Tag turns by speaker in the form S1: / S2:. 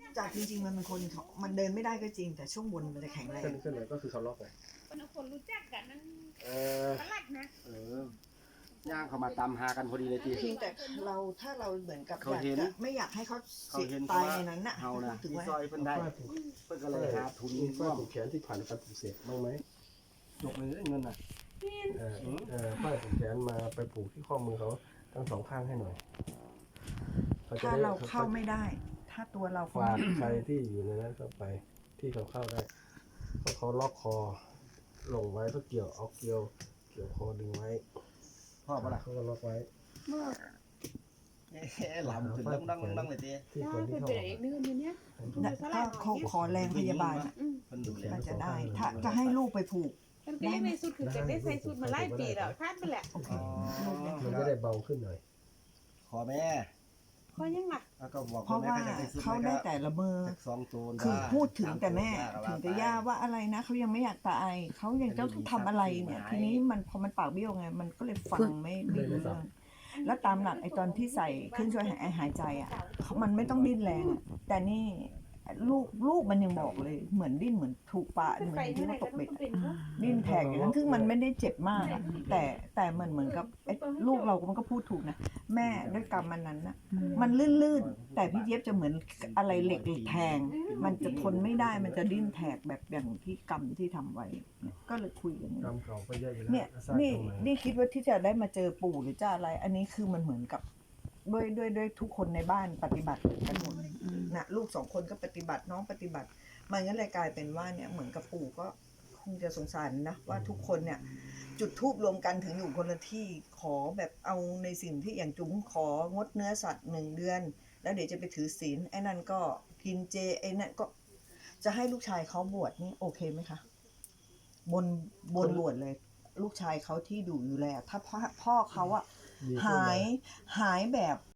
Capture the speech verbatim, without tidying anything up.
S1: จากจริงๆมันเป็นคนมันเดินไม่ได้ก็จริงแต่ช่วงบนมันจะแข็งแรง
S2: ขึ้นขึ้นเลยก็คือเขาล็อกเลย
S3: คนคนรู้จักกันนั่น
S2: เออ
S3: ตลาดนะ
S2: เออย่างเขามาตามหากันพอดีเลยจี
S1: เพียงแต่เราถ้าเราเหมือนกับ
S2: เขา
S1: อยาก
S2: เห็น
S1: จะไม่อยากให้เขา
S2: เขา
S1: เสีย
S2: เห็น
S1: ตาย
S2: ว่า
S1: ในนั้นน่ะ
S2: เฮานะ
S1: ถึง
S2: ที่
S1: ว่า
S2: ซอยเพิ่นได้เพิ่นก็เลยหาทุน
S4: มีฝ้า
S2: ร่วม
S4: ผูกแขนที่ผ่านการปลูกเสกบ้างไหม
S2: จบเลยเงินน่ะ
S4: เออเออฝ้าผูกแขนมาไปผูกที่ข้อมือเขาทั้งสองข้างให้หน่อยขจะ
S1: ถ้า
S4: ได้
S1: เราเข้าไม่ได้ ถ้าตัวเรา
S4: ฝากใครที่อยู่ในนั้นเข้าไปที่เขาเข้าได้เพราะเขาล็อกคอลงไว้เพื่อเกี่ยวเอาเกี่ยวเกี่ยวคอดึงไว้
S2: พ่อปะล่ะ
S4: เขาก็ล็อกไว้
S2: เอ๊ะหลำขึ้นดังดังดังเลยจี
S4: ที่
S3: ได้
S4: คนที่
S3: เป็น
S4: เข้า
S3: ไปได้อีกเดือนนึงเนี้ย
S1: ถ้าเขาขอแรงพยาบาลน่ะ
S2: เพิ่นดูแล
S1: มันจะได้ ถ้าจะให้ลูกไปผูก
S3: มันก็ยังในสุดคือจะได้ใส่สุดมาไล่ปีแล้วคาดไปแหละ
S1: โอเค
S4: มันจะได้เบาขึ้นหน่อย
S2: ขอแม่
S3: เขายังหนัก
S2: แล้วก็บอก
S1: เพราะว่าเขาได้แต่ละเมอ
S2: สองตัว
S1: คือพูดถึงแต่แม่ถึงแต่ย่าว่าอะไรนะเขายังไม่อยากตายเขายังต้องทำอะไรเนี่ย ทีนี้มันพอมันปากเบี้ยวไงมันก็เลยฟังไม่ไม่รู้เรื่องแล้วตามหลักไอ้ตอนที่ใส่เครื่องช่วยหายหายใจอ่ะมันไม่ต้องดิ้นแรงอะแต่นี่ลูกลูกมันยังบอกเลยเหมือนดิ้นเหมือนถูกปะเหมือนที่เขาตกเบ็ดอะดิ้นแทกอย่างนั้นซึ่งมันไม่ได้เจ็บมากอะแต่แต่เหมือนเหมือนกับไอ้ลูกเรามันก็พูดถูกนะแม่ด้วยกรรมมันนั้นนะมันลื่นๆแต่พี่เจี๊ยบจะเหมือนอะไรเหล็กแทง มันจะทนไม่ได้มันจะดิ้นแทกแบบอย่างที่กรรมที่ทำไว้เนี่ยก็เลยคุยกัน
S4: กรรมเก่าก็เยอะอยู่แล้ว
S1: เนี่ย
S4: สร้าง
S1: นี่
S4: กรรมใหม่
S1: นี่คิดว่าที่จะได้มาเจอปู่หรือจะอะไร อันนี้คือมันเหมือนกับด้วยด้วยด้วยทุกคนในบ้านปฏิบัติกันหมดนะลูกสองคนก็ปฏิบัติน้องปฏิบัติ มันก็เลยกลายเป็นว่าเนี่ยเหมือนกับปู่ก็คงจะสงสารนะว่าทุกคนเนี่ย จุดทูบรวมกันถึงอยู่คนละที่ขอแบบเอาในสิ่งที่อย่างจุ๋มของดเนื้อสัตว์หนึ่งเดือน แล้วเดี๋ยวจะไปถือศีลไอ้นั่นก็กินเจไอ้นั่นก็จะให้ลูกชายเขาบวชนี่โอเคไหมคะบนบนบวชเลย ลูกชายเขาที่ดูอยู่แล้วถ้าพ่อพ่อเขาอะ
S4: ดีขึ้น
S1: หาย
S4: นะ
S1: หายแบบ